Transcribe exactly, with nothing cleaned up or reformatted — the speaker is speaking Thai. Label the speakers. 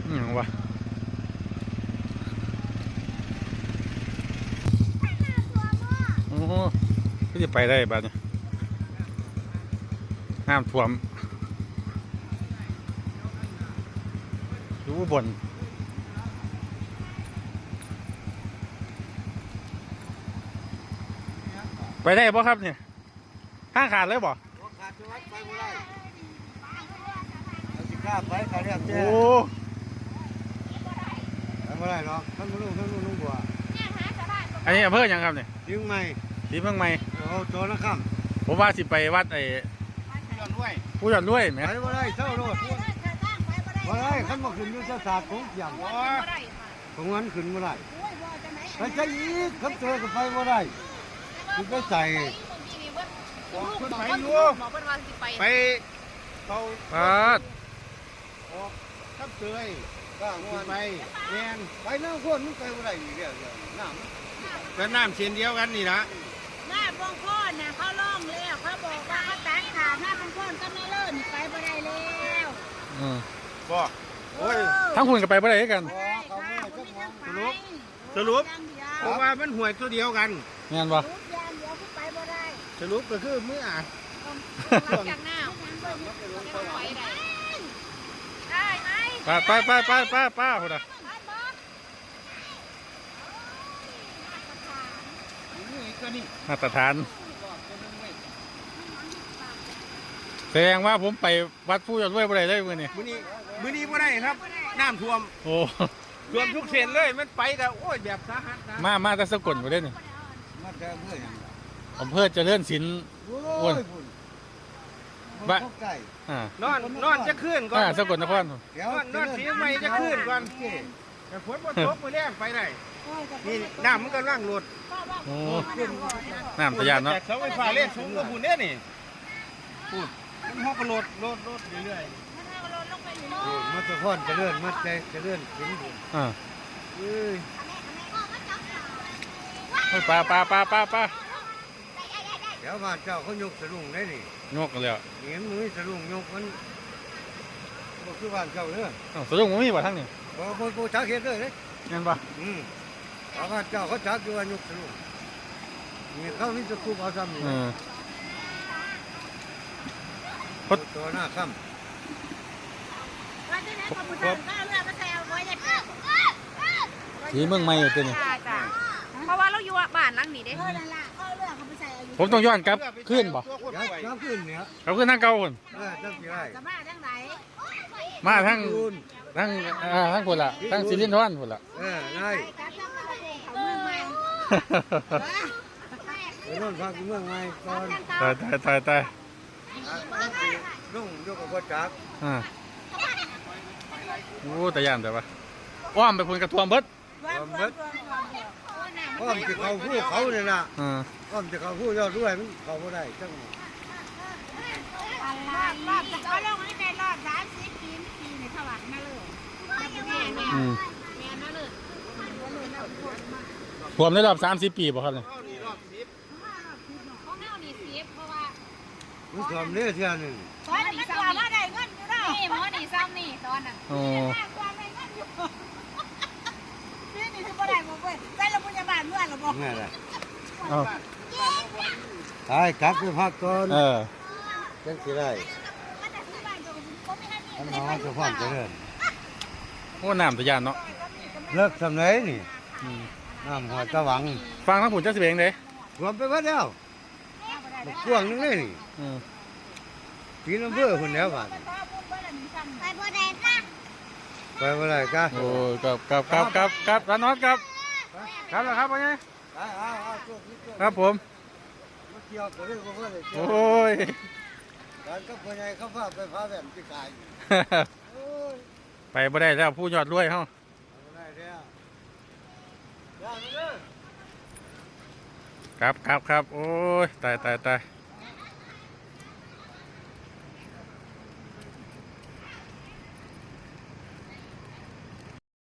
Speaker 1: อืมวะโอ้ก็จะไปได้บ้านนี้น้ำท่วมอยู่บนไปได้ป่ะครับเนี่ยห้างขาดเลยบ่
Speaker 2: ขาดจังหวัดไปบ่ได้เอาสิกล้าไปเขาเรียกแจ้
Speaker 1: โอ้
Speaker 2: ไปบ่ได้หรอกท่านลุงท่านลุงลุงบัว
Speaker 1: อันนี้อำเภอยังครับเนี่ย
Speaker 2: ยิงใหม่
Speaker 1: สีเมืองใหม่
Speaker 2: โอ้โจนะครับ
Speaker 1: ผมว่าสิไปวัดไอ้ผู้หยอดด้วยไหม
Speaker 2: ไปบ่ได้เท่าโลดบ่ได้ขันบ่ขึ้นยุทธศาสตร์ของเสียงของนั้นขึ้นบ่ได้ไปใช้อีกขันเจอก็ไปบ่ได้คือไปใส่
Speaker 3: ขึ้นไปอยู่ไปเขา
Speaker 1: ปาด
Speaker 3: ออกทับเตย
Speaker 2: ก้าง
Speaker 3: ขึ้
Speaker 2: วัน น
Speaker 3: ไปแมน
Speaker 2: ไปน้ำข้นมันไปบ่ได้อีกแล้วเดี๋ยวน้ำ
Speaker 3: ก็น้ำเช่นเดียวกันนี่นะ
Speaker 4: หน้าบงโคนน่ะเขาล่องแล้วเขาบอกว่าเขาตัดขาดหน้าบงโคนก็ไม่เลิกนี่ไปบ่ได้แล้ว
Speaker 1: อืม
Speaker 3: บ่
Speaker 2: โอ้ย
Speaker 1: ทั้งคุณกับไปบ่ได้กัน
Speaker 4: บ่ได้ค่ะบ่มีทางไป
Speaker 3: สรุป
Speaker 4: อย่างเดียว
Speaker 3: เพราะว่ามันห่วยตัวเดียวกัน
Speaker 1: งานบ่
Speaker 4: รูปอย่างเดียวคือไปบ่ได้
Speaker 3: สรุปก็คือเมื่อ
Speaker 4: จากหน้าไปได้ได้ไหม
Speaker 1: ป้าป้าป้าป้าป้าป้าคนน่ะ
Speaker 4: ไปบ่
Speaker 3: นี่ก็นี่
Speaker 1: มาตรฐานแสดงว่าผมไปวัดผู้หยอดด้วยบ่ได้เลยมื้อนี้
Speaker 3: มื้อนี้มื้อนี้บ่ได้ครับน้ำท่วม
Speaker 1: โอ้
Speaker 3: ท่วมทุกเส้นเลยมันไปแต่โอ้ยแบบสาหัสนะ
Speaker 1: มามาแต่สกลบ่ได้นี่
Speaker 2: มาเจอเพื่อน
Speaker 1: อำเภอเจริญศิลป์
Speaker 2: โอ้ยพุ่นบ้านไก่
Speaker 1: อ่าน
Speaker 3: อนนอนจะขึ้นก่อน
Speaker 1: อ่าสกลนคร
Speaker 2: เดี๋ยวน
Speaker 3: อนนอนสีใหม่จะขึ้นก่อนแต่ฝนบ่ตกมื้อแรงไปได้นี่น้ำมันกำลังลด
Speaker 1: โอ้น้ำตะยานเนาะ
Speaker 3: แต่เสาไฟฟ้าเล่นสูงกว่าพุ่นเด้นี่พูดมันฮอกก็ลดลดลดเรื่อย
Speaker 2: มาตะพอนจะเลื่อนมาใจจะเลื่อนถึงบุญ
Speaker 1: อ่า
Speaker 2: เอ้ย
Speaker 1: เฮ้ยป้าป้าป้าป้าป้า
Speaker 2: เดี๋ยวบ้านเจ้าเขายกสลุงได้นี่
Speaker 1: ยกกันแล้ว
Speaker 2: เห็นมือสลุงยกมันบ่คือบ้านเจ้าเด้อ
Speaker 1: อ้าวสะดุ้งบ่มีบ่ทั้งนี้
Speaker 2: บ่บ่บ่ชักเฮ็ดเลยเด้
Speaker 1: งานบ่
Speaker 2: อืมชาวบ้านเจ้าเขาชักอยู่ว่ายกสลุงนี่เขามีตะคุบเอาซ้ำนี่
Speaker 1: เออ
Speaker 2: ตัวหน้าค่ำ
Speaker 4: ว่าที่ไหนก็บ่ทันก็เอาเรือมาใส่เอาไว้ได้ค่ะ
Speaker 1: สีเมืองใหม่อยู่ตัวนี้
Speaker 5: จ้าจ้าเพราะว่าเราอยู่บ้านหลังนี้เด้
Speaker 4: เออนั่นล่ะเขาเอาเรือเขาไปใส่เอาอยู่
Speaker 1: ผมต้องย้อนกลับขึ้นบ่
Speaker 3: ตัวคน
Speaker 2: ยัก
Speaker 3: ป่วย
Speaker 2: ยักขึ้นเนี่ย
Speaker 1: กลับขึ้นทางเก่าคน
Speaker 2: เออจังสิได้
Speaker 4: จะมาทางไหน
Speaker 1: มาทาง
Speaker 2: คูณ
Speaker 1: ทางอ่าทางคนละทางสิรินทรคนละ
Speaker 2: เออได้
Speaker 4: ไปกับทางประเทศเขาเมืองใหม่
Speaker 2: ไปโน่นพักอยู่เมืองใหม่ก่อน
Speaker 1: ตายตายตายตาย
Speaker 2: ลุงยกกับพ่อจัก
Speaker 1: อ่าโอ้แต่ย่านแต่ว่าอ้อมไปพุ่นกระทวมเบิด
Speaker 2: ความเบิดความจะเขาผู้เขาเนี่ยนะ
Speaker 1: อ่า
Speaker 2: ความจะเขาผู้ยอดด้วยมันเขาไม่ได้จัง
Speaker 4: รอบรอบจะเขาลงให้ในรอบสามสิบปีปีในสวรรค์มาเลยแม่แม่
Speaker 1: อืม
Speaker 4: แม่นั่นเลย
Speaker 1: ท่วมในรอบสามสิบปีบ่ครับเนี่ย
Speaker 3: เอานี่รอบสิบ
Speaker 4: ของแนวนี้เสียเพราะว่า
Speaker 2: มันทำเนี่ยเท่านึง
Speaker 4: ตอนนี้ตัวมาได้เงินอยู่แล้ว
Speaker 5: นี่หมอนี่ซ้ำนี่ตอนนั้น
Speaker 1: โอ้
Speaker 4: มากกว่าได้เงินอยู่นี่นี่คือบ่ได้บ่เว้ยไปโรงพยาบาลเมื่อหรอบ่
Speaker 2: นี่แหละ
Speaker 1: เอา
Speaker 2: ตายกลับไปพักก่อน
Speaker 1: เออ
Speaker 2: จังสิได้อันนั้นจะความเจริญ
Speaker 1: โอ้น้ำแต่ย่านเนาะ
Speaker 2: เลิกสำเร็จนี่
Speaker 1: อืม
Speaker 2: น้ำหัวตะหวัง
Speaker 1: ฟังทั้งผุนจักสิเบงเด้
Speaker 2: รวมไปวัดแล้วบักกวางนึงเลยนี่
Speaker 1: อืม
Speaker 2: ปีน้ำเพื่อคนแล้วบาด
Speaker 4: ไปบ่ได้ค่ะ
Speaker 2: ไปบ่ได้กะ
Speaker 1: โอ้ยกับกับกับกับกับร้านน็อตครับครับแล้วครับว่าไง
Speaker 2: เอาเอาเอาช่วงนี้ช่วง
Speaker 1: ครับผม
Speaker 2: มาเกี่ยวกับเรื่องของเพื่อนเลยเกี่ยว
Speaker 1: โอ้ย
Speaker 2: การก็คนใหญ่เขาพาไปพาแบบที่กายโอ้ย
Speaker 1: ไปบ่ได้แล้วผู้ยอดรวยเฮา
Speaker 2: เอาบ่ได้แล้วย่างไปเด้อ
Speaker 1: ครับครับครับโอ้ยตายตายตาย